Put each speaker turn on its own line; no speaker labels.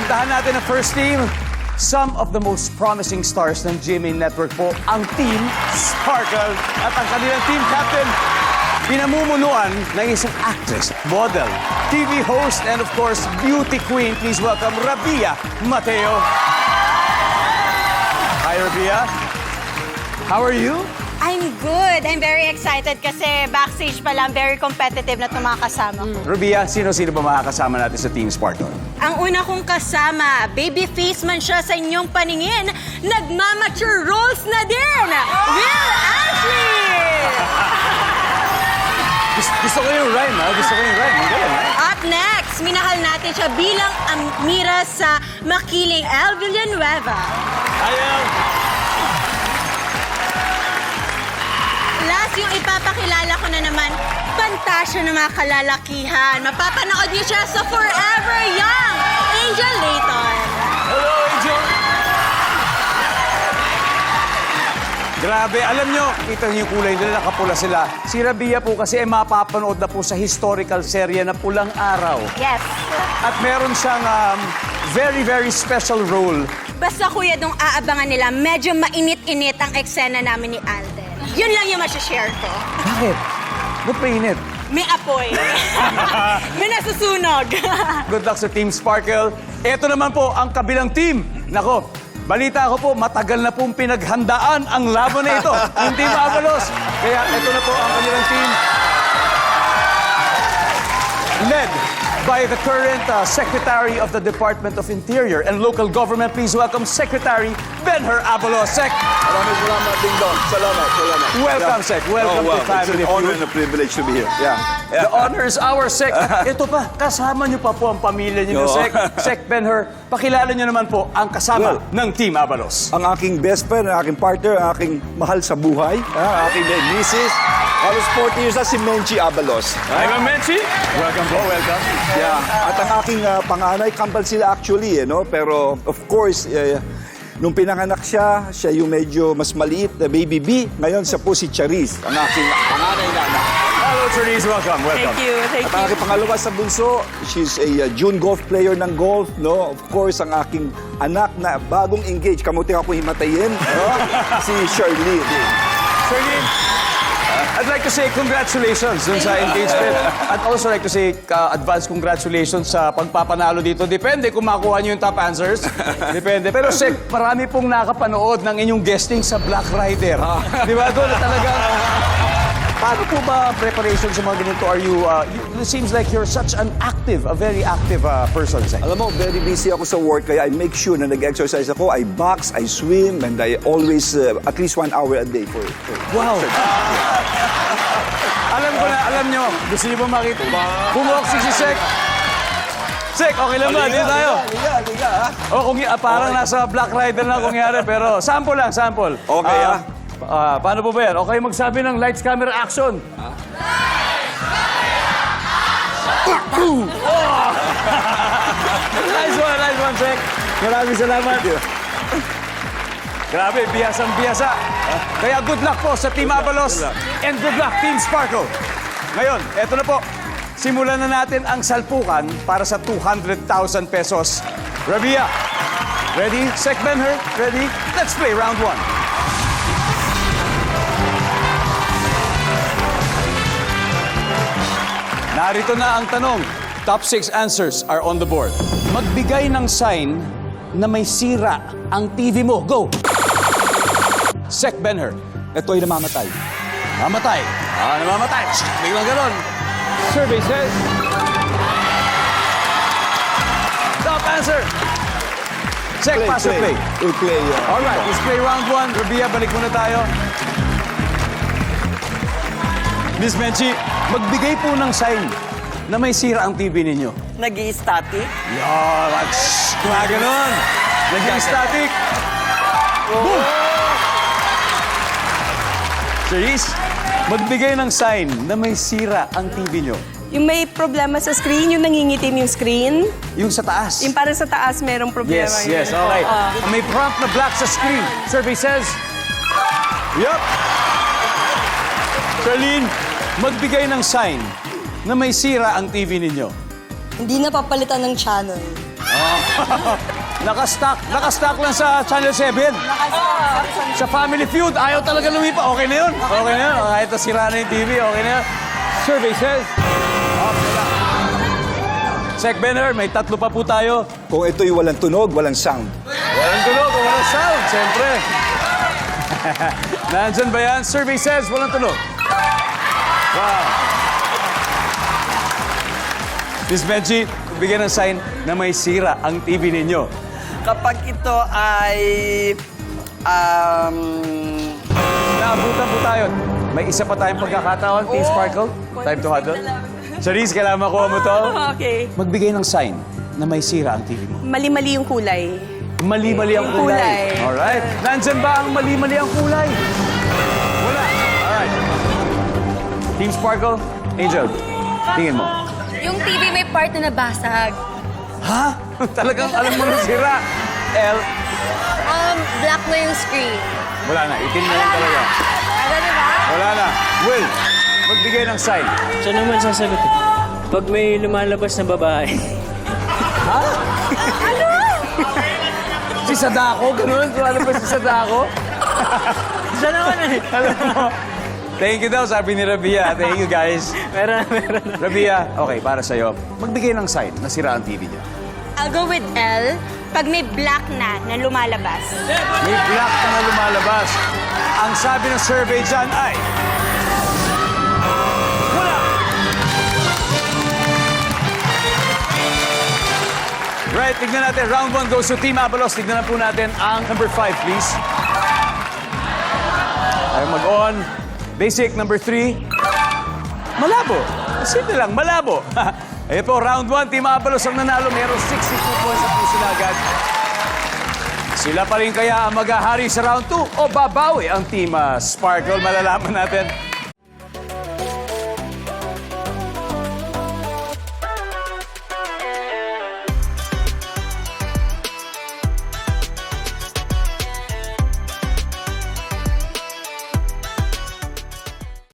Puntahan natin ang first team. Some of the most promising stars ng GMA Network po, ang Team Sparkle. At ang kanilang team captain, pinamumunuan ng isang actress, model, TV host, and of course, beauty queen. Please welcome Rabia Mateo. Hi, Rabia. How are you?
I'm good. I'm very excited kasi backstage pa lang, very competitive na itong mga kasama ko.
Rabia, sino-sino ba makakasama natin sa Team Sparkle?
Ang una kong kasama, baby face man siya sa inyong paningin, nagmamature roles na din, Will Ashley!
Gusto ko yung rhyme, ha? Gusto ko yung rhyme. Ang galing, ha?
Up next, minahal natin siya bilang Amira sa Makiling El Villanueva.
Ayaw!
Last, yung ipapakilala ko na naman, pantasya ng mga kalalakihan. Mapapanood niyo siya sa Forever Young, Angel Layton.
Hello, Angel! Grabe, alam nyo, kita niyo yung kulay nila, nakapula sila. Si Rabia po kasi ay mapapanood na po sa historical serye na Pulang Araw.
Yes.
At meron siyang very, very special role.
Basta kuya, nung aabangan nila, medyo mainit-init ang eksena namin ni Alden. Yun lang yung masashare ko.
Bakit? Ba't mainit?
May apoy. May nasusunog.
Good luck sa Team Sparkle. Ito naman po ang kabilang team. Nako, balita ko po, matagal na pong pinaghandaan ang laban na ito. Yung Team Avalos. Kaya ito na po ang kanilang team. Led by the current Secretary of the Department of Interior and Local Government. Please welcome Secretary Benher Avalos. Sec,
Maraming salamat, Ding Dong. Salamat.
welcome, Sec. Welcome to Family
It's an honor
Feud.
and a privilege to be here.
The honor is ours, Sec. At ito pa, kasama niyo pa po ang pamilya niyo,
Oo.
Sec. Sec Benher, pakilala niyo naman po ang kasama
Well,
ng Team Avalos.
Ang aking best friend, ang aking partner, ang aking mahal sa buhay, ang aking misis, halos 40 years na si Menchi Abalos.
Hi, Ma'am Menchi. Welcome po, welcome.
Yeah. At ang aking panganay, kambal sila actually, no? Pero of course, nung pinanganak siya yung medyo mas maliit na baby B. Ngayon siya po si Charis, ang aking panganay na anak.
Hello, Therese. Welcome, welcome.
At ang aking pangalawa sa bunso, she's a June golf player ng golf, no? Of course, ang aking anak na bagong engaged, kamuti ako himatayin, no? Si Shirley.
Shirley, I'd like to say congratulations dun sa engagement. I'd also like to say advance congratulations sa pagpapanalo dito. Depende kung makuha niyo yung top answers. Depende. Pero Sec, marami pong nakapanood ng inyong guesting sa Black Rider. Di ba? Doon talagang... Paano po ba preparation sa mga ganito? Are you, it seems like you're such an active, a very active person, Sec.
Alam mo, very busy ako sa work, kaya I make sure na nag-exercise ako. I box, I swim, and I always, at least 1 hour a day for
Wow! Alam ko na, alam nyo, gusto nyo ba makita? Bumoksik si Sec. Sec, okay lang ba? Dito tayo.
Liga, ha?
O, kung parang nasa Black Rider na kungyari, pero sample lang, sample.
Okay,
paano po ba yan? Okay, magsabi ng lights, camera, action. Nice one, Sec. Maraming salamat. Grabe, biyasang-biyasa. Kaya good luck po sa Team Avalos and good luck, Team Sparkle. Ngayon, eto na po. Simulan na natin ang salpukan para sa 200,000 pesos. Rabia, ready? Sec Benher, ready? Let's play round 1. Narito na ang tanong. Top 6 answers are on the board. Magbigay ng sign na may sira ang TV mo. Go! Sec Benher.
Ito ay namamatay.
Mamatay. Namamatay. Biglang ganon. Survey says... Top answer. Sec, pass or play?
We'll play.
Alright, let's play round 1. Rabia, balik muna tayo. Miss Menchi, magbigay po ng sign na may sira ang TV ninyo.
Nag-i-static?
Yan, ganon. Naging static. Boom! Cherise, magbigay ng sign na may sira ang TV nyo.
Yung may problema sa screen, yung nangingitim yung screen.
Yung sa taas.
Yung para sa taas, merong problema.
Yes, okay. May prompt na black sa screen. Survey says... Yup. Charlene, magbigay ng sign na may sira ang TV ninyo.
Hindi na papalitan ng channel.
Nakastock lang sa Channel 7. Sa Family Feud, ayaw talaga lumipa. Okay na yun. Okay na yun. Kahit nasira na yung TV, okay na yun. Survey says. Okay na. Sec Benner, may 3 pa po tayo.
Kung ito'y walang tunog, walang sound.
Walang tunog, walang sound, siyempre. Nandyan ba yan? Survey says, walang tunog. Wow. Miss Benji, bigyan ng sign na may sira ang TV ninyo.
Kapag ito ay...
Naabutan po tayo. May isa pa tayong pagkakataon, Team Sparkle. Time to huddle. Charisse, kailangan makuha mo to.
Okay.
Magbigay ng sign na may sira ang TV mo.
Mali-mali yung kulay.
Mali-mali ang
Yung
kulay.
kulay.
Alright. Nandyan ba ang mali-mali ang kulay? Wala. Alright. Team Sparkle, Angel, tingin mo.
Yung TV may part na nabasag.
Ha? Talagang alam mo na sira. L,
Black na yung screen.
wala na. Itim na lang talaga.
Ano diba?
Wala na. Will, magbigay ng sign.
Siya naman sasagot eh. Pag may lumalabas na babae.
Si Sadako, ganun. Ano ba si Sadako?
Siya naman eh.
Alam mo. Thank you daw, sabi ni Rabia. Thank you, guys.
Meron.
Rabia, okay, para sa'yo. Magbigay ng sign na sira ang TV niya.
I'll go with L. Pag may black na lumalabas.
May black na lumalabas. Ang sabi ng survey dyan ay... Wala! Right, tignan natin. Round 1 goes to Team Abalos. Tignan na po natin ang number 5, please. Tayo mag-on. Basic, number 3. Malabo. Simple lang, malabo. Ayan po, round 1, Team Abalos ang nanalo. Meron 62 points at po sila agad. Sila pa rin kaya ang maghahari sa round 2 o babawi ang Team Sparkle? Malalaman natin